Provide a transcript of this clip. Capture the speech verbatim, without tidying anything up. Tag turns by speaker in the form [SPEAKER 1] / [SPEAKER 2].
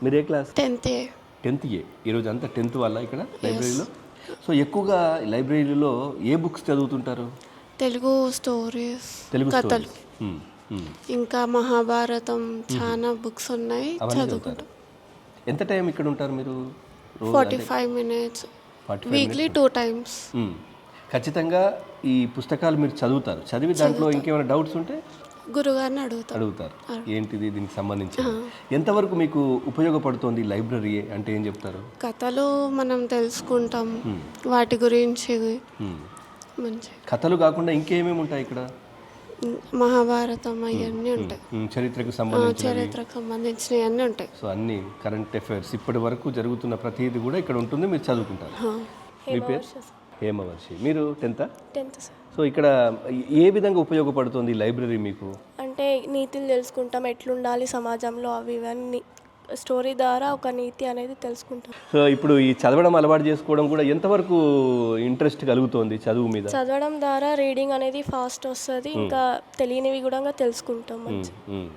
[SPEAKER 1] మీరు ఏ class?
[SPEAKER 2] Tenth A.
[SPEAKER 1] Tenth A. ఈరోజు అంతా టెన్త్ వాళ్ళ ఇక్కడ లైబ్రరీలో. సో ఎక్కువగా లైబ్రరీలో ఏ బుక్స్ చదువుతుంటారు?
[SPEAKER 2] తెలుగు స్టోరీస్,
[SPEAKER 1] తెలుగు
[SPEAKER 2] కథలు,
[SPEAKER 1] స్టోరీస్. మ్మ్. మ్మ్.
[SPEAKER 2] ఇంకా మహాభారతం చాలా బుక్స్ ఉన్నాయి,
[SPEAKER 1] అవన్నీ
[SPEAKER 2] చదువుకుంటాం.
[SPEAKER 1] చదువుతారు. ఎంత టైం ఇక్కడ ఉంటారు మీరు? రోజు
[SPEAKER 2] forty five minutes
[SPEAKER 1] forty five
[SPEAKER 2] weekly two times.
[SPEAKER 1] ఖచ్చితంగా ఈ పుస్తకాలు మీరు చదువుతారు. చదివి దాంట్లో ఇంకేమైనా డౌట్స్ ఉంటే
[SPEAKER 2] గురుగారిని అడుగుతాం.
[SPEAKER 1] అడుగుతారు. ఏంటిది దీనికి సంబంధించి ఎంతవరకు మీకు ఉపయోగపడుతోంది లైబ్రరీ అంటే ఏం చెప్తారు?
[SPEAKER 2] కథలు మనం తెలుసుకుంటాం, వాటి గురించి
[SPEAKER 1] మ్మ్.
[SPEAKER 2] మంచి
[SPEAKER 1] కథలు కాకుండా ఇంకేమేమి ఉంటాయి ఇక్కడ?
[SPEAKER 2] మహాభారతం అవన్నీ ఉంటాయి,
[SPEAKER 1] మ్మ్. చరిత్రకు సంబంధించి
[SPEAKER 2] చరిత్రకు సంబంధించినవి అన్నీ ఉంటాయి.
[SPEAKER 1] సో అన్ని కరెంట్ అఫైర్స్ ఇప్పటి వరకు జరుగుతున్న ప్రతిదీ కూడా ఇక్కడ ఉంటుంది, మీరు చదువుకుంటారు. మీ పేరు? హేమవర్షి. మీరు టెన్త్?
[SPEAKER 3] Tenth sir.
[SPEAKER 1] సో ఇక్కడ ఏ విధంగా ఉపయోగపడుతుంది లైబ్రరీ మీకు?
[SPEAKER 3] అంటే నీతులు తెలుసుకుంటాం, ఎట్లుండాలి సమాజంలో, అవి ఇవన్నీ స్టోరీ ద్వారా ఒక నీతి అనేది తెలుసుకుంటాం.
[SPEAKER 1] సో ఇప్పుడు ఈ చదవడం అలవాటు చేసుకోవడం కూడా ఎంతవరకు ఇంట్రెస్ట్ కలుగుతోంది చదువు మీద?
[SPEAKER 3] చదవడం ద్వారా రీడింగ్ అనేది ఫాస్ట్ వస్తుంది, ఇంకా తెలియనివి కూడా తెలుసుకుంటాం మంచి.
[SPEAKER 1] మ్మ్.